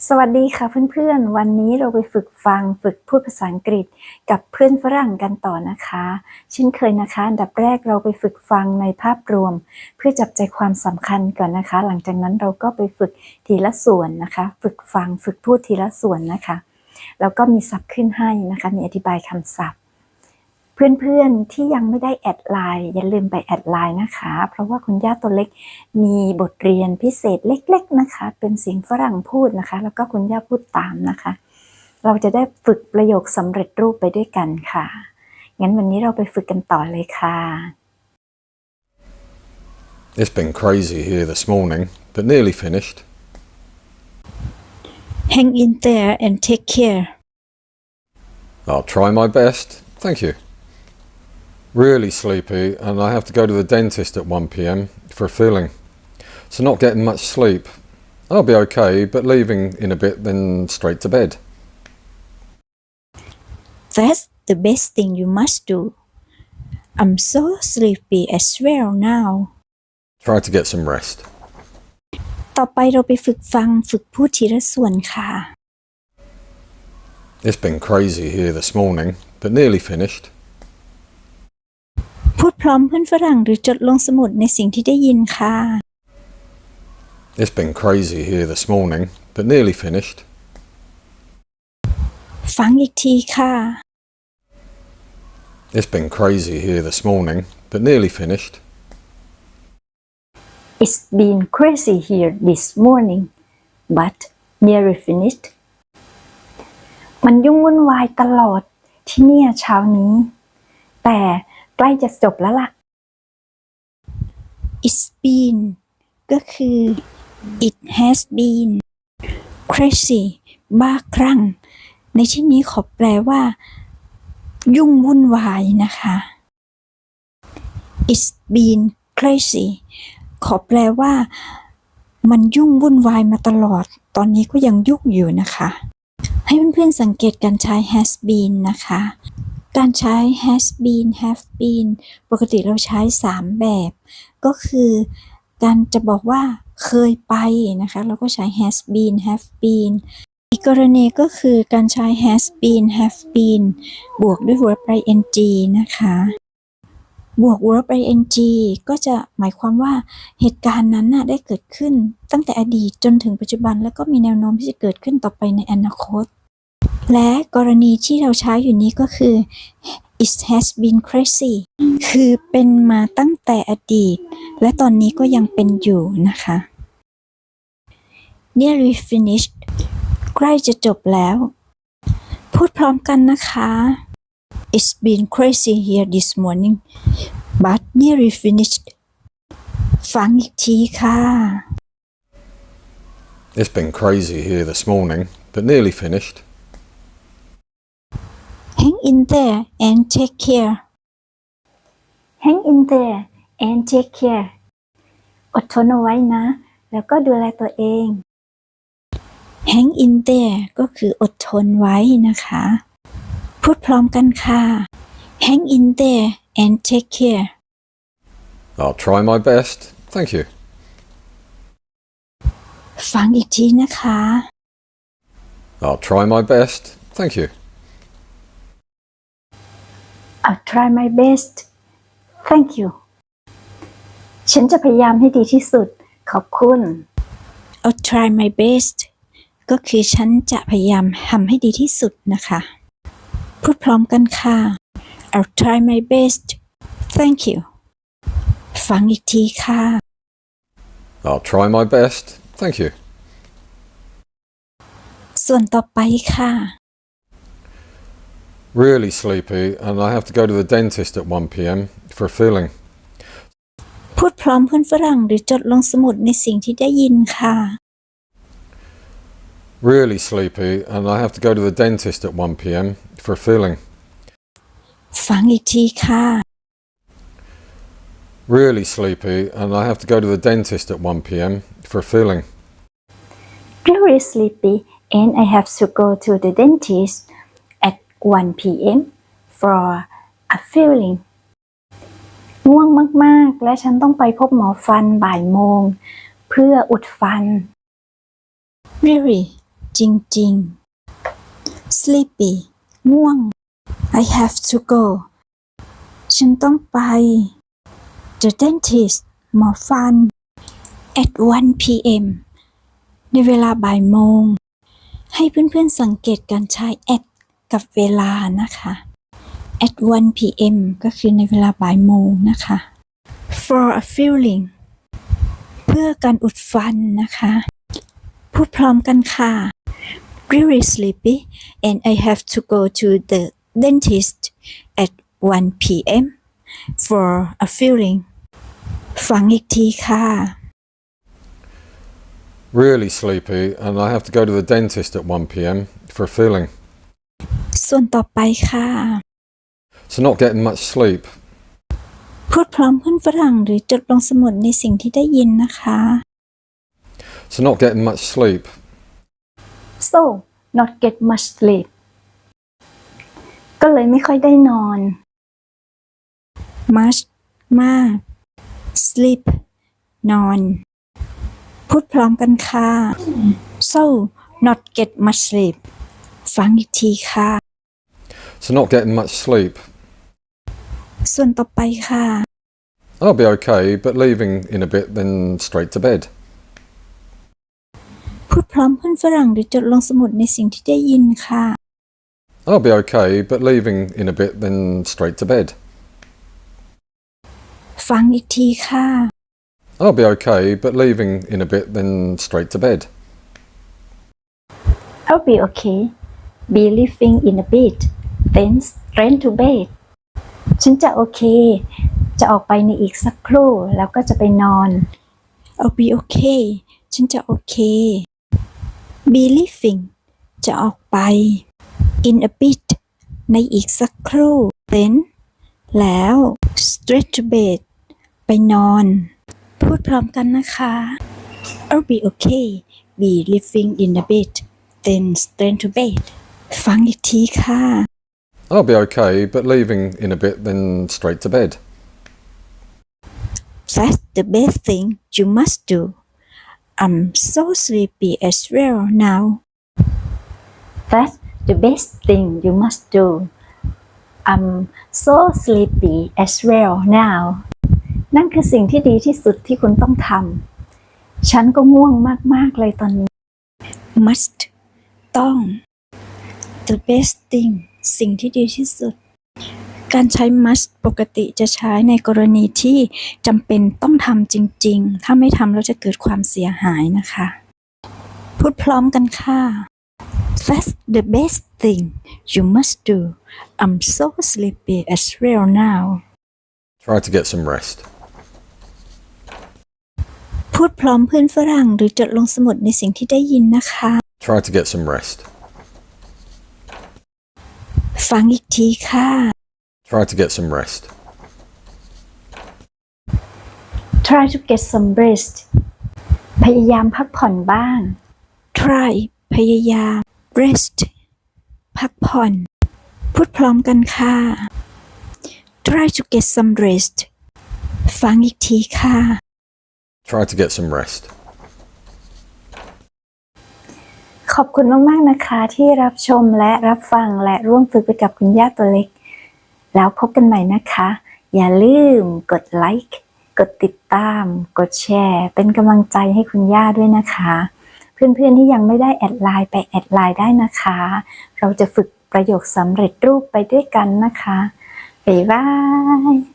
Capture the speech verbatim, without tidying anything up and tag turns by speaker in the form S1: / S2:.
S1: สวัสดีค่ะเพื่อนๆวันนี้เราไปฝึกฟังฝึกพูดภาษาอังกฤษกับเพื่อนฝรั่งกันต่อนะคะเช่นเคยนะคะอันดับแรกเราไปฝึกฟังในภาพรวมเพื่อจับใจความสำคัญก่อนนะคะหลังจากนั้นเราก็ไปฝึกทีละส่วนนะคะฝึกฟังฝึกพูดทีละส่วนนะคะแล้วก็มีศัพท์ขึ้นให้นะคะมีอธิบายคำศัพท์เพื่อนๆที่ยังไม่ได้แอดไลน์อย่าลืมไปแอดไลน์นะคะเพราะว่าคุณย่าตัวเล็กมีบทเรียนพิเศษเล็กๆนะคะเป็นเสียงฝรั่งพูดนะคะแล้วก็คุณย่าพูดตามนะคะเราจะได้ฝึกประโยคสำเร็จรูปไปด้วยกันค่ะงั้นวันนี้เราไปฝึกกันต่อเลยค่ะ
S2: It's been crazy here this morning, but nearly finished.
S3: Hang in there and take care.
S2: I'll try my best, thank you. Really sleepy, and I have to go to the dentist at one p m for a filling. So not getting much sleep. I'll be okay, but leaving in a bit, then straight to bed.
S3: That's the best thing you must do. I'm so sleepy as well now.
S2: Try to get some rest.
S3: ต่อไปเราไปฝึกฟังฝึกพูดทีละส่วนค่ะ
S2: It's been crazy here this morning, but nearly finished.
S3: พูดพร้อมเพื่อนฝรั่งหรือจดลงสมุดในสิ่งที่ได้ยินค่ะ
S2: It's been crazy here this morning, but nearly finished.
S3: ฟังอีกทีค่ะ
S2: It's been crazy here this morning, but nearly finished.
S1: It's been crazy here this morning but nearly finished มันยุ่งวุ่นวายตลอดที่เนี่ยเช้านี้แต่ใกล้จะจบแล้วล่ะ
S3: It's been ก็คือ it has been crazy บ้าคลั่งในที่นี้ขอแปลว่ายุ่งวุ่นวายนะคะ It's been crazy ขอแปลว่ามันยุ่งวุ่นวายมาตลอดตอนนี้ก็ยังยุ่งอยู่นะคะให้เพื่อนๆสังเกตการใช้ has been นะคะการใช้ has been have been ปกติเราใช้สามแบบก็คือการจะบอกว่าเคยไปนะคะเราก็ใช้ has been have been อีกกรณีก็คือการใช้ has been have been บวกด้วย verb ing นะคะบวก verb ing ก็จะหมายความว่าเหตุการณ์นั้นน่ะได้เกิดขึ้นตั้งแต่อดีตจนถึงปัจจุบันแล้วก็มีแนวโน้มที่จะเกิดขึ้นต่อไปในอนาคตและกรณีที่เราใช้อยู่นี้ก็คือ it has been crazy คือเป็นมาตั้งแต่อดีตและตอนนี้ก็ยังเป็นอยู่นะคะ nearly finished ใกล้จะจบแล้วพูดพร้อมกันนะคะ It's been crazy here this morning but nearly finished ฟังอีกทีค่ะ
S2: It's been crazy here this morning, but nearly finished.
S3: Hang in there and take care
S1: Hang in there and take care อดทนเอาไว้นะแล้วก็ดูแลตัวเอง
S3: Hang in there ก็คืออดทนไว้นะคะพูดพร้อมกันค่ะ Hang in there and take care
S2: I'll try my best, thank you.
S3: ฟังอีกทีนะคะ
S2: I'll try my best, thank you.
S1: I'll try my best thank you ฉันจะพยายามให้ดีที่สุดขอบคุณ
S3: I'll try my best ก็คือฉันจะพยายามทำให้ดีที่สุดนะคะพูดพร้อมกันค่ะ I'll try my best thank you ฟังอีกทีค่ะ
S2: I'll try my best, thank you.
S3: ส่วนต่อไปค่ะ
S2: Really sleepy, and I have to go to the dentist at one p m for a filling.
S3: พูดพร้อมเพื่อนฝรั่งหรือจดลงสมุดในสิ่งที่ได้ยินค่ะ
S2: Really sleepy, and I have to go to the dentist at one p m for a filling.
S3: ฟังอีกทีค่ะ
S2: Really sleepy, and I have to go to the dentist at one p m for a filling.
S1: Very sleepy and I have to go to the dentist at one p m for a filling ง่วงมากๆและฉันต้องไปพบหมอฟันบ่ายโมงเพื่ออุดฟัน
S3: Really จริงๆ sleepy ง่วง I have to go ฉันต้องไป the dentist หมอฟัน at one p m ในเวลาบ่ายโมงให้เพื่อนๆสังเกตการใช้ at กับเวลานะคะ at one p m ก็คือในเวลาบ่ายโมงนะคะ for a filling เพื่อการอุดฟันนะคะพูดพร้อมกันค่ะ really sleepy and I have to go to the dentist at one p m for a filling ฟังอีกทีค่ะ
S2: Really sleepy, and I have to go to the dentist at one p m for a filling.
S3: ส่วนต่อไปค่ะ
S2: So not getting much sleep.
S3: พูดพร้อมเพื่อนฝรั่งหรือจดลงสมุดในสิ่งที่ได้ยินนะคะ
S2: So not getting much sleep.
S1: so not get much sleep ก็เลยไม่ค่อยได้นอน
S3: much มาก sleep นอนพูดพร้อมกันค่ะ so not get much sleep ฟังอีกทีค่ะ
S2: So not getting much sleep.
S3: ส่วนต่อไปค่ะ
S2: I'll be okay, but leaving in a bit, then straight to bed.
S3: พูดพร้อมเพื่อนฝรั่งหรือจดลงสมุดในสิ่งที่ได้ยินค่ะ
S2: I'll be okay, but leaving in a bit, then straight to bed.
S3: ฟังอีกทีค่ะ
S2: I'll be okay, but leaving in a bit, then straight to bed.
S1: I'll be okay be leaving in a bit then straight to bed ฉันจะโอเคจะออกไปในอีกสักครู่แล้วก็จะไปนอน
S3: I'll be okay ฉันจะโอเค be leaving จะออกไป in a bit ในอีกสักครู่ then แล้ว straight to bed ไปนอน พูดพร้อมกันนะคะ I'll be okay be leaving in a bit then straight to bed ฟังอีกทีค่ะ
S2: I'll be okay, but leaving in a bit, then straight to bed.
S3: That's the best thing you must do. I'm so sleepy as well now.
S1: That's the best thing you must do I'm so sleepy as well now นั่นคือสิ่งที่ดีที่สุดที่คุณต้องทำฉันก็ง่วงมากๆเลยตอนนี้
S3: Must ต้อง The best thing สิ่งที่ดีที่สุด การใช้ must ปกติจะใช้ในกรณีที่จำเป็นต้องทำจริงๆ ถ้าไม่ทำแล้วจะเกิดความเสียหายนะคะ พูดพร้อมกันค่ะ That's the best thing you must do. I'm so sleepy as well now.
S2: Try to get some rest.
S3: พูดพร้อมเพื่อนฝรั่งหรือจดลงสมุดในสิ่งที่ได้ยินนะคะ
S2: Try to get some rest.
S3: ฟังอีกทีค่ะ
S2: Try to get some rest.
S1: Try to get some rest พยายามพักผ่อนบ้าง
S3: try พยายาม rest พักผ่อน พูดพร้อมกันค่ะ try to get some rest ฟังอีกทีค่ะ
S2: Try to get some rest.
S1: ขอบคุณมากๆนะคะที่รับชมและรับฟังและร่วมฝึกไปกับคุณย่าตัวเล็กแล้วพบกันใหม่นะคะ อย่าลืมกดไลค์กดติดตามกดแชร์เป็นกำลังใจให้คุณย่าด้วยนะคะเพื่อนๆที่ยังไม่ได้แอดไลน์ไปแอดไลน์ได้นะคะเราจะฝึกประโยคสำเร็จรูปไปด้วยกันนะคะบ๊ายบาย